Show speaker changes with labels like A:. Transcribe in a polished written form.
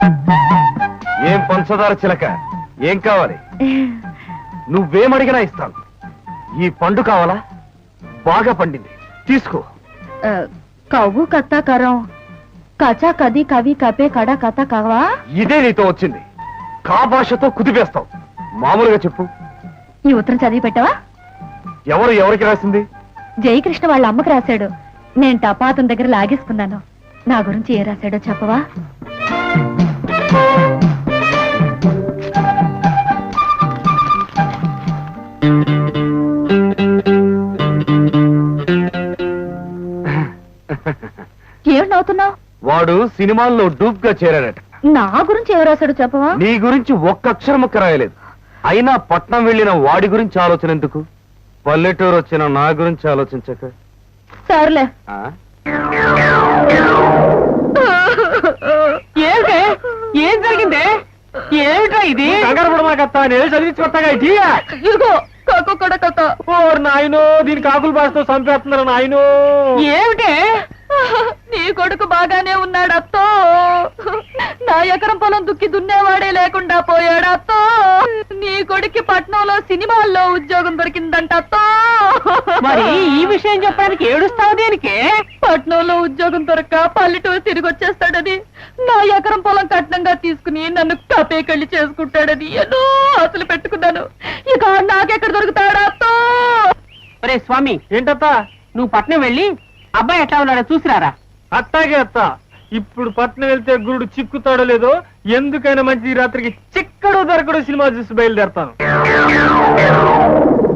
A: ఏం పంచదార చిలక, ఏం కావాలి? నువ్వేమడిగినా ఇస్తాను. ఈ పండు కావాలా? బాగా పండింది, తీసుకో.
B: కవ్వు కత్త కరం కచా కది కవి కపే కడ కథ కవా.
A: ఇదే నీతో వచ్చింది. కా భాషతో కుదిపేస్తావు. మామూలుగా చెప్పు.
B: ఈ ఉత్తరం చదివి పెట్టవా?
A: ఎవరికి రాసింది?
B: జయకృష్ణ వాళ్ళ అమ్మకు రాశాడు. నేను టపాతం దగ్గర లాగేసుకున్నాను. నా గురించి ఏ రాశాడో చెప్పవా? ఏమిటి నవ్వుతున్నావు?
A: వాడు సినిమాల్లో డూప్ గా చేరాడట.
B: నా గురించి ఎవరు రాశాడు చెప్పవా?
A: నీ గురించి ఒక్క అక్షరం ముక్క రాయలేదు. అయినా పట్నం వెళ్ళిన వాడి గురించి ఆలోచన ఎందుకు? పల్లెటూరు వచ్చిన నా గురించి ఆలోచించక.
B: సర్లే.
C: ఏం జరిగింది? ఏమిటా ఇది?
A: కంగారు పడమాకత్తా, నేను చదివించుకొస్తాగా.
B: ఇదిగో కాకు కూడా కథ.
A: నాయనో, దీని కాకులు బాస్తో చంపేస్తున్నారు నాయనో.
B: ఏమిటే? నీ కొడుకు బాగానే ఉన్నాడు అత్తో. నా ఎకరం పొలం దుక్కి దున్నేవాడే లేకుండా పోయాడు అత్తో. నీ కొడుక్కి పట్నంలో సినిమాల్లో ఉద్యోగం దొరికిందంట అత్తో.
C: మరి ఈ విషయం చెప్పడానికి ఏడుస్తావు దేనికి?
B: పట్నంలో ఉద్యోగం దొరక్క పల్లెటూరు తిరిగి వచ్చేస్తాడని, నా ఎకరం పొలం కట్నంగా తీసుకుని నన్ను కపేకళ్ళి చేసుకుంటాడని ఎన్నో ఆశలు పెట్టుకున్నాను. ఇక నాకెక్కడ దొరుకుతాడా అత్తో?
C: ఒరే స్వామి,
A: ఏంటత్తా?
C: నువ్వు పట్నం వెళ్ళి అబ్బాయి ఎట్లా ఉన్నాడో చూసిరారా.
A: అట్టాగే అత్త. ఇప్పుడు పట్నం వెళ్తే గురుడు చిక్కుతాడో లేదో, ఎందుకైనా మంచి రాత్రికి చిక్కడు దొరకడు సినిమా చూసి బయలుదేరతాను.